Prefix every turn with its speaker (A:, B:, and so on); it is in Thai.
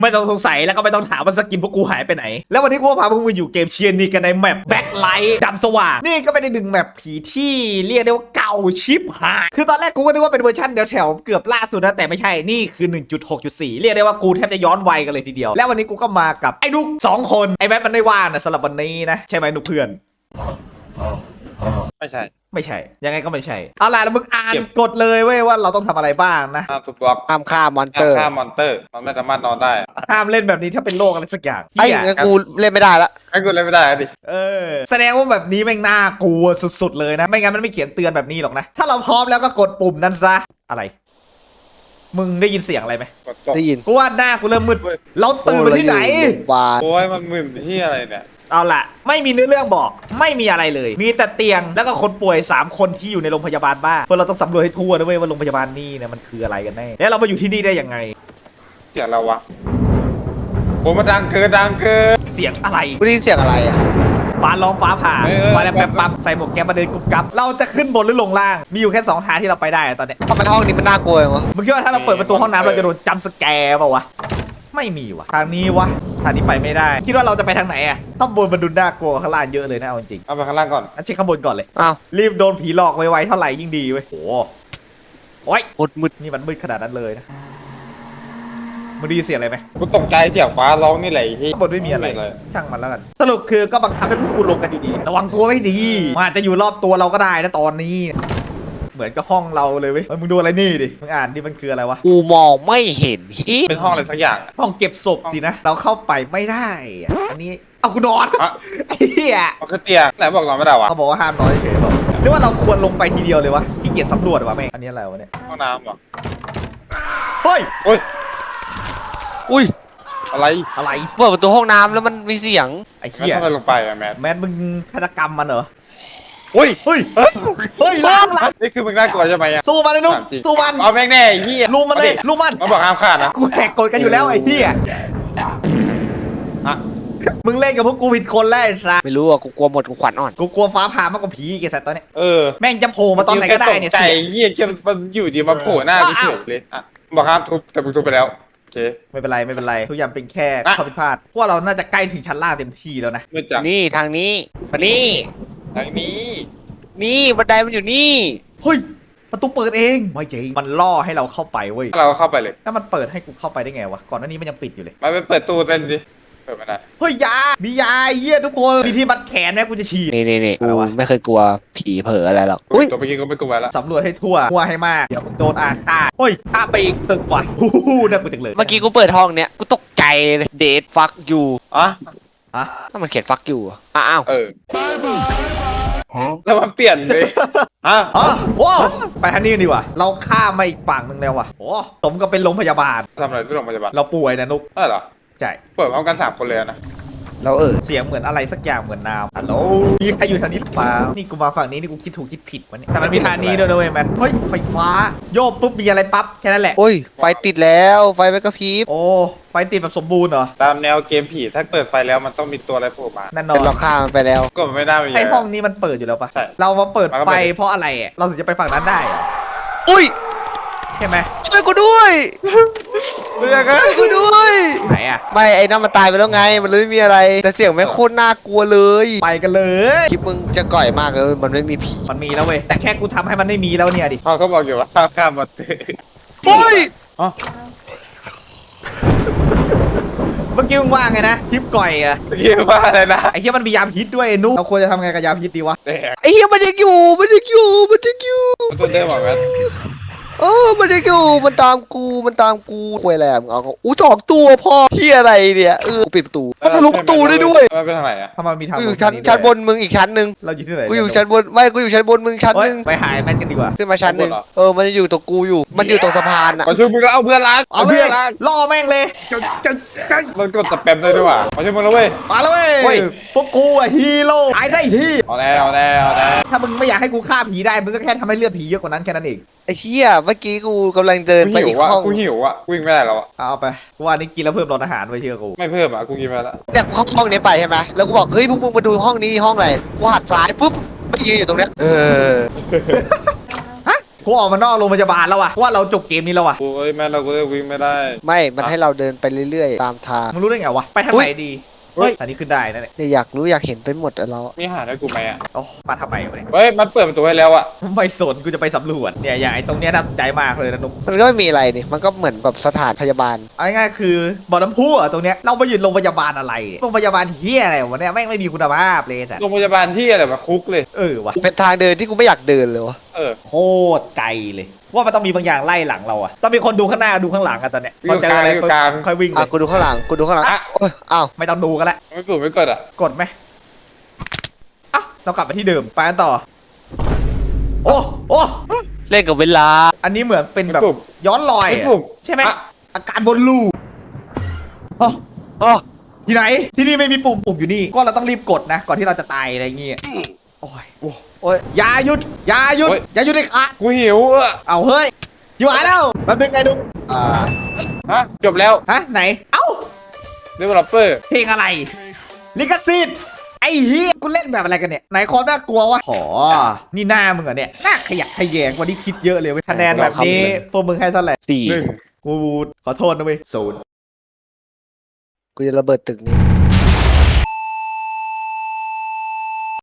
A: ไม่ต้องสงสัยแล้วก็ไม่ต้องถามว่าสกินพวกกูหายไปไหนแล้ววันนี้กูพาพวกมึงอยู่เกมเชียร์นี่กันในแมปแบ็คไลท์ดำสว่างนี่ก็เป็นหนึ่งแมปผีที่เรียกได้ว่าเก่าชิบหายคือตอนแรกกูก็นึกว่าเป็นเวอร์ชันแถวๆเกือบล่าสุดนะแต่ไม่ใช่นี่คือ 1.6.4 เรียกได้ว่ากูแทบจะย้อนวัยกันเลยทีเดียวแล้ววันนี้กูก็มากับไอ้นุก2 คนไอ้แมปมันไม่ว่างนะสำหรับวันนี้นะใช่ไหมนุกเพื่อน
B: ไม่ใช่
A: ไม่ใช่ยังไงก็ไม่ใช่เอาล่ะแล้วมึงอ่านกฎเลยเว้ยว่าเราต้องทำอะไรบ้างนะ
B: ห้ามทุบบล็อก
C: ห้ามฆ่ามอนเตอร์
B: ฆ่ามอนเตอร์มันไม่สามารถนอนได้
A: ห้ามเล่นแบบนี้ถ้าเป็นโรคอะไรสักอย่าง
C: ไอ้งั้นกูเล่นไม่ได้ละ
B: ไอ้กูเล่นไม่ได้ดิ
A: แสดงว่าแบบนี้แม่งน่ากลัวสุดๆเลยนะไม่งั้นมันไม่เขียนเตือนแบบนี้หรอกนะถ้าเราพร้อมแล้วก็กดปุ่มนั้นซะอะไรมึงได้ยินเสียงอะไรไหม
B: กดตก
C: ได้ยิน
A: กูว่าหน้ากูเริ่มมืดเราตื่นมาที่ไหน
B: โอ้ยมันมึนที่อะไรเนี่ย
A: เอาล่ะไม่มีเนื้อเรื่องบอกไม่มีอะไรเลย มีแต่เตียงแล้วก็คนป่วย3 คนที่อยู่ในโรงพยาบาลบ้าเพราะเราต้องสำรวจให้ทั่วนะเว้ยว่าโรงพยาบาลนี่เนี่ยมันคืออะไรกันแน่แล้วเรามาอยู่ที่นี่ได้ยังไง
B: เสียงเราวะโอ้มันดังเกิน
A: เสียงอะไร
C: กูได้ยินเสียงอะไรอ่ะ
A: ฟ้าร้องฟ้าผ่ามาแล้วแป๊บปั๊บใส่หมวกแก๊ปมาเดินกุบกับเราจะขึ้นบนหรือลงล่างมีอยู่แค่2 ทางที่เราไปได้ตอนเนี้ย
C: ทำไมห้องนี้มันน่ากลัววะ
A: มึงคิดว่าถ้าเราเปิดประตูห้องน้ำเราจะโดนจัมป์สแกร์เปล่าวะไม่มีวะทางนี้วะทางนี้ไปไม่ได้คิดว่าเราจะไปทางไหนอะข้างบนมันดูน่ากลัวข้างล่างเยอะเลยนะเอาจริง
B: เอาไปข้างล่างก่อน
A: ๆเช็คข้างบนก่อนเลย
C: อ้าว
A: รีบโดนผีหลอกไวๆเท่าไหร่ยิ่งดีเว้ยโอ้ย
C: มืด
A: นี่มันมืดขนาดนั้นเลยนะมึงได้ยินเสียงอะไรไหม
B: กูตกใจเสียงฟ้าร้องนี่แหละที่
A: ข้างบนไม่มีอะไรช่างมันแล้วกันสรุปคือก็บังคับให้พวกกูลงกันดีๆระวังตัวไม่ดีมันอาจจะอยู่รอบตัวเราก็ได้นะตอนนี้เหมือนกับห้องเราเลยเว้ยมึงดูอะไรนี่ดิมึงอ่านดิมันคืออะไรวะ
C: กูมองไม่เห็นฮิ
B: เป็นห้องอะไรสักอย่าง
A: ห้องเก็บศพสินะ เราเข้าไปไม่ได้อะอันนี้เอากูนอนไอ้เหี้ย
B: มันคือเตียงไหนบอกนอนไม่ได้วะ
A: เขาบอกว่าห้ามนอนเฉยๆบอกหรือว่าเราควรลงไปทีเดียวเลยวะขี้เกียจสำรวจวะแม่งอันนี้อะไรวะเนี่ย
B: ห้องน้ำเหรอ
A: เฮ้ย
B: โอ้ย
C: อุ้ย
B: อะไร
A: อะไร
C: เปิดประตูห้องน้ำแล้วมันมีเสียง
A: ไอ้
B: แล้ว
A: เหี้ย
B: ทำไมลงไปอะแมท
A: แมนมึงฆาตกรรมมันเหรอ
B: อุ้ย
A: เฮ้ยเฮ้ยล้าง
B: นี่คือมึงน่ากลัวใช่ไหมอะ
A: สู้มันเลยนุ๊กสู้มัน
B: เอาแม่งแน่ไอ้เหี้ย
A: ลุมมันเลยลุมมัน
B: มันบอกห้ามฆ่านะ
A: กูแหกกฎกันอยู่แล้วไอ้เหี้ย
B: ฮะ
A: มึงเล่นกับพวกกูผิดคนแล้วไอ้สัส
C: ไม่รู้อ่ะกูกลัวหมดกูขวัญอ่อน
A: กูกลัวฟ้าผ่ามากกว่าผีไอ้สัตว์ตอนเนี้ย
B: เออ
A: แม่งจะโผล่มาตอนไหนก็ได้เนี่ย
B: ใจ
A: เสียง
B: เหี้ยมันอยู่ดีมาโผล่หน้ากูเฉยเลยอ่ะบอกห้ามทุบแต่มึงทุบไปแล้วโอเค
A: ไม่เป็นไรไม่เป็นไรทุกอย่างเป็นแค่
B: อ่ะ
A: ข้อผิดพลาดเพราะว่าเราน่าจะใกล้ถึงชั้นล่างเต็มที่แล้วนะ
B: มืดจัง
C: นี่ทางนี้มานี่
B: ทางนี้
C: นี่บันไดมันอยู่นี่
A: เฮ้ยประตูเปิดเองไม่จริงมันล่อให้เราเข้าไปเว้ย
B: เราก็เข้าไปเลย
A: ถ้ามันเปิดให้กูเข้าไปได้ไงวะก่อนหน้านี้มันยังปิดอยู่เลย
B: มาไปเปิดตู้เต้นดิเปิดไม่ได้
A: เฮ้ยยามียาเยี่ยทุกคนมีที่มัดแขนนะกูจะฉีด
C: นี่
A: อะไร
C: กู
A: วะ
C: ไม่เคยกลัวผีเผลออะไรหรอกอุ้ย
B: ตัวเมื่อกี้ก็ไม่กลัวแล้ว
A: สำรวจให้ทั่วให้มากเดี๋ยวมึงโดนอาฆาตเฮ้ยข้ามไปอีกตึกว่ะฮู้ฮู้น่ากลัวจังเลย
C: เมื่อกี้กูเปิดห้องเนี้ยกูตกใจเลยเดทฟักยู
B: อ่ะ
A: อะ
C: ถ้ามันเขียนฟักยูอ้าว
B: เออแล้วมันเปลี่ยนเลยฮะ
A: อ๋อโว้ไปทางนี้กันดีกว่าเราข้ามมาอีกฝั่งหนึ่งแล้วว่ะโอ้สมกับเป็นโรงพยาบาล
B: ทำอะไรที่โรงพยาบาล
A: เราป่วยนะนุ๊ก
B: ได้เหรอ
A: ใช่
B: เปิดพร้อมกัน3 คนเลยนะ
C: แล้ว
A: เสียงเหมือนอะไรสักอย่างเหมือนน้ำฮัลโหลมีใครอยู่ทางนี้หรือเปล่านี่กูมาฝั่งนี้นี่กูคิดถูกคิดผิดวะเนี่ยแต่มันมีทางนี้ด้วยนะเว้ยแมนเฮ้ยไฟฟ้าโยกปุ๊บมีอะไรปั๊บแค่นั้นแหละ
C: โอ้ยไฟติดแล้วไฟไม่กระพริบ
A: โอ้ไฟติดแบบสมบูรณ์เหรอ
B: ตามแนวเกมผีถ้าเปิดไฟแล้วมันต้องมีตัวอะไรโผล่มา
A: แน่นอ
C: เป็น
A: น
C: เราฆ่ามันไปแล้ว
B: ก็มันไม่น่ามี
A: ไอห้องนี้มันเปิดอยู่แล้วปะ
B: ใช่
A: เรามาเปิด
B: มันก็
A: ไฟ
B: เปิด
A: เพราะอะไรอ่ะเราถึงจะไปฝั่งนั้นได้เหรอ
C: อุ้ย
A: ใช่ไหม
C: ช่วยกูด้วย
B: เรื่องอะ
C: ช่วยกูด้วย
A: ไหนอ่ะ
C: ไม่ไอ้นั่นมันตายไปแล้วไงมันเลยไม่มีอะไร แต่เสียงแม่งโคตรน่ากลัวเลย
A: ไปกันเลย
C: คลิปมึงจะก่อยมากเลยมันไม่มีผี
A: มันมีแล้วเว้ยแต่แค่กูทำให้มันไม่มีแล้วเนี่ยดิ
B: เขาบอกอยู่ว่าข้ามมาเตอ
C: โอ้ย
B: อ๋อ
A: เมื่อกี้มึงว่าไงนะคลิปก่อยอ่ะ
B: เมื่อกี้ว่าอะไรนะ
A: ไอ้เหี้ยมันมียาพิษด้วยไอ้นุ๊กเราควรจะทำไงกับยาพิษดีวะ
B: แดก
C: ไอ้เหี้ยมันยังอยู่มันยังอยู่มันยังอยู่
B: มันตัวเดิมเหรอแมท
C: มันยังอยู่มันตามกูคุยอะไรอ่ะมึงเอาเขาอู้2 ตัวพ่อพี่อะไรเนี่ยกูปิดประตูมันทะลุประตูได้ด้วย
B: มันเป็นทางไหนอะ
A: ถ้ามันมีทาง
C: กูอยู่ชั้นบนมึงอีกชั้นหนึ่ง
A: เราอยู่ที่ไหน
C: กูอยู่ชั้นบนไม่กูอยู่ชั้นบนมึงชั้น
A: เฮ้
C: ห
A: ย
C: นึ่ง
A: ไปหายแมนกันดีกว่า
C: ขึ้นมาชั้นหนึ่งมันจะอยู่ตรงกูอยู่ มันอยู่ตรงสะพานอ่ะ
B: มาช่วยมึงแล้วเอาเพื่อนรัก
A: เอาเล
B: เพื่
A: ย
B: อนรัก
A: ล่อแม่งเลยจะ
B: มันกดสแปมได้ด้วยว่ะมาช่วยมึงแล้วเว้ย
A: มาแล้วเว้
B: เฮ้
A: ย
B: ย
A: พวกกูอะฮีโร่ตายได้ที่
B: เอาแน่เอาแน่เอาแน่
A: ถ้ามึงไม่อยากให้กูฆ่าผีได้มึงก็แค่ทำให้เลือดผีเยอะกว่านั้นแค่นั้นเอง
C: ไอ้เชี่ยเมื่อกี้กูกำลังเดิน
B: กู
C: ไป
B: หิ
C: อี
B: ว
C: ก
B: อ่ะ
C: ห้อง
B: กูหิวอ่ะกูวิ่งไม่ได้แล้วอ่ะ
A: เอาไปกูว่านี่กินแล้วเพิ่มรสอาหารไว้เชื่อกู
B: ไม่เพิ่มอ่ะกูกินไปแล้ว
C: เนี่ยกูเข้าห้องนี้ไปใช่ไหมแล้วกูบอกเฮ้ยพวกมึงมาดูห้องนี้ห้องอะไรกูหัดซ้ายปุ๊บไม่ยืนอยู่ตรงเนี้ย
A: กูออกมานอกโรงพยาบาลแล้วว่ะว่าเราจบเกมนี้แล้วว่ะ
B: โอ้ยแม่เราก็วิ่งไม่ได้
C: ไม่มันให้เราเดินไปเรื่อยๆตามทาง
A: มึงรู้ได้ไงวะไปทางไหนดีเฮ้ยทางนี้ขึ้นได้นะเนี่ย
C: เนี่ยอยากรู้อยากเห็นไปหมดอะเรา
B: มีอาหารให้กูไหมอ่ะ
A: โอ้มาทำไมวะเนี่ย
B: เฮ้ยมันเปิดประตูให้แล้วอ่ะ
A: ไม่สนกูจะไปสำรวจเนี่ยอย่างไอ้ตรงเนี้ยน่าสนใจมากเลยนะนุ๊ก
C: มันก็ไม่มีอะไรนี่มันก็เหมือนแบบสถานพยาบาล
A: เอาง่ายๆคือบ่อน้ำพุอะตรงเนี้ยเราไปยืนโรงพยาบาลอะไรโรงพยาบาลเฮียอะไรวะเนี่ยแม่งไม่มีคุณภาพเลยจ้ะ
B: โรงพยาบาลที่อะไรมาคุกเลย
A: วะ
C: เป็นทางเดินที่กูไม่อยากเดินเลยวะ
B: เออ
A: โคตรไกลเลยว่ามันต้องมีบางอย่างไล่หลังเราอะต้องมีคนดูข้างหน้าดูข้างหลังกันตอนเนี้ย
B: อยู่กลางอยู่กลาง
A: ค่อยวิ่งเล
C: อ่ะ
A: ย
C: กูดูข้างหลังกูดูข้างหลัง
B: อ่ะ
C: โอ้ยอ้าว
A: ไม่ต้องดูกันละ
B: ไม่ปุ่มไม่กดอ่ะ
A: กดไหมอ่ะเรากลับมาที่เดิมไปกันต่อโอ้
C: เล่นกับเวลา
A: อันนี้เหมือนเป็นแบบ
B: ไม่ปุ่ม
A: ย้อนรอย
B: ไม่
A: อะ
B: ปุ่ม
A: ใช่ไหม
B: อ่ะ
A: อาการบนลูอ๋อ
C: อ๋อ
A: ที่ไหนที่นี่ไม่มีปุ่มอยู่นี่ก็เราต้องรีบกดนะ ก่อนที่เราจะตายอะไรเงี้ยโอ้ย
C: โอ้ย
A: อย่าหยุดอย่าหยุด
B: โอ้ย
A: อย่าหยุดเลยขาด
B: กูหิวอ่ะ
A: เอาเฮ้ยอยู่หายแล้วแป๊บนึงไงดุ๊ก
B: ฮะจบแล้ว
A: ฮะไหนเอ้า
B: developer
A: เพลงอะไรลิขสิทธิ์ไอ้เฮียกูเล่นแบบอะไรกันเนี่ยไหนความน่ากลัววะอ๋อนี่หน้ามึงเหรอเนี่ยหน้าขยักขยแยงกว่าที่คิดเยอะเลยเว้ยคะแนนแบบนี้พวกมึงให้เท่าไหร่
B: 1
A: กูขอโทษนะเว้ยศูนย์
C: กูจะระเบิดตึกนี้